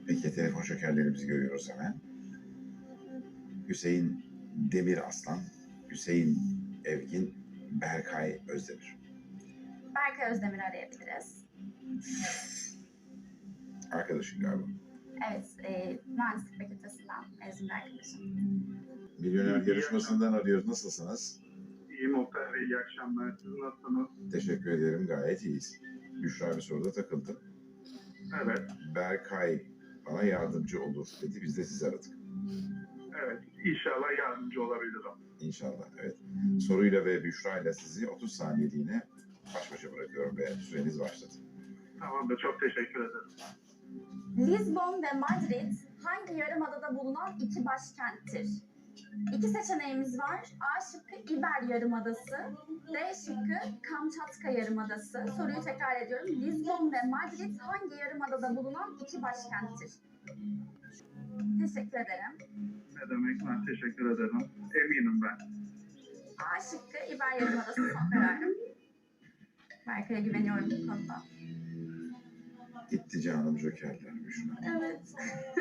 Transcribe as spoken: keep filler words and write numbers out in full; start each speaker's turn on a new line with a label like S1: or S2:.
S1: Peki telefon şokerlerimizi görüyoruz hemen. Hüseyin Demir Aslan, Hüseyin Evgin, Berkay Özdemir.
S2: Berkay Özdemir'i arayabiliriz.
S1: Arkadaşın galiba.
S2: Evet, e, mühendislik fakültesinden mezun bir arkadaşım.
S1: Milyoner yarışmasından arıyoruz. Nasılsınız?
S3: İyiyim Oktay Bey, iyi akşamlar. Siz nasılsınız?
S1: Teşekkür ederim. Gayet iyiyiz. Büşra bir soruda takıldı.
S3: Evet,
S1: Berkay bana yardımcı olur dedi. Biz de sizi aradık.
S3: evet. İnşallah yardımcı olabilirim.
S1: İnşallah. Evet. Soruyla ve Büşra ile sizi otuz saniyeliğine baş başa bırakıyorum ve süreniz başladı.
S3: Tamamdır, çok teşekkür ederim.
S2: Lisbon ve Madrid hangi yarımadada bulunan iki başkenttir? İki seçeneğimiz var. A şıkkı İber Yarımadası, D şıkkı Kamçatka Yarımadası. Soruyu tekrar ediyorum. Lisbon ve Madrid hangi yarımadada bulunan iki başkenttir? Teşekkür ederim.
S3: Ne demek, ben teşekkür ederim. Eminim ben.
S2: A şıkkı İber Yarımadası son kararım. Berkay'a güveniyorum bu konuda.
S1: Gitti canım jokerler Büşra.
S2: Evet.